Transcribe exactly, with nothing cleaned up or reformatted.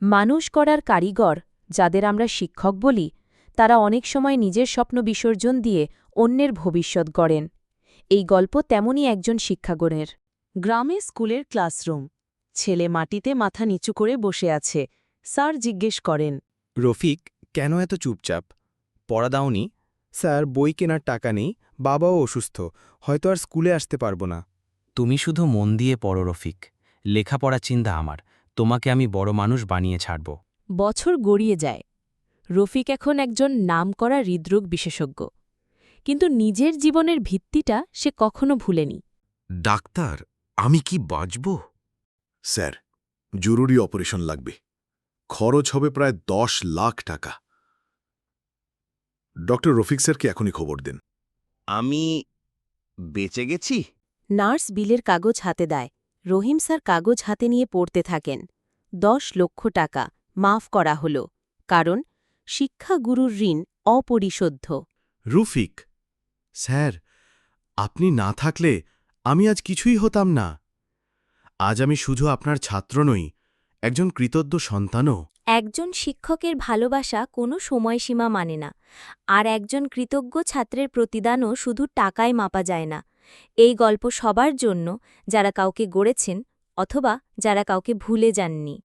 মানুষ করার কারিগর যাদের আমরা শিক্ষক বলি তারা অনেক সময় নিজের স্বপ্ন বিসর্জন দিয়ে অন্যের ভবিষ্যৎ গড়েন। এই গল্প তেমনই একজন শিক্ষাগণের। গ্রামে স্কুলের ক্লাসরুম। ছেলে মাটিতে মাথা নিচু করে বসে আছে। স্যার জিজ্ঞেস করেন, রফিক, কেন এত চুপচাপ? পড়া দাওনি? স্যার, বই কেনার টাকা নেই, বাবাও অসুস্থ, হয়তো আর স্কুলে আসতে পারবো না। তুমি শুধু মন দিয়ে পড়ো রফিক, লেখাপড়া চিন্তা আমার, তোমাকে আমি বড় মানুষ বানিয়ে ছাড়ব। বছর গড়িয়ে যায়। রফিক এখন একজন নামকরা হৃদরোগ বিশেষজ্ঞ, কিন্তু নিজের জীবনের ভিত্তিটা সে কখনো ভুলেনি। ডাক্তার, আমি কি বাঁচব? স্যার, জরুরি অপারেশন লাগবে। খরচ হবে প্রায় দশ লাখ টাকা। ডক্টর রফিক স্যারকে এখনই খবর দিন। আমি বেঁচে গেছি? নার্স বিলের কাগজ হাতে দেয়। রহিম স্যার কাগজ হাতে নিয়ে পড়তে থাকেন। দশ লক্ষ টাকা মাফ করা হল, কারণ শিক্ষাগুরুর ঋণ অপরিশোধ্য। রফিক স্যার, আপনি না থাকলে আমি আজ কিছুই হতাম না। আজ আমি শুধু আপনার ছাত্র নই, একজন কৃতজ্ঞ সন্তানও। একজন শিক্ষকের ভালোবাসা কোনো সময়সীমা মানে না, আর একজন কৃতজ্ঞ ছাত্রের প্রতিদানও শুধু টাকায় মাপা যায় না। এই গল্প সবার জন্য, যারা কাউকে গড়েছেন অথবা যারা কাউকে ভুলে যাননি।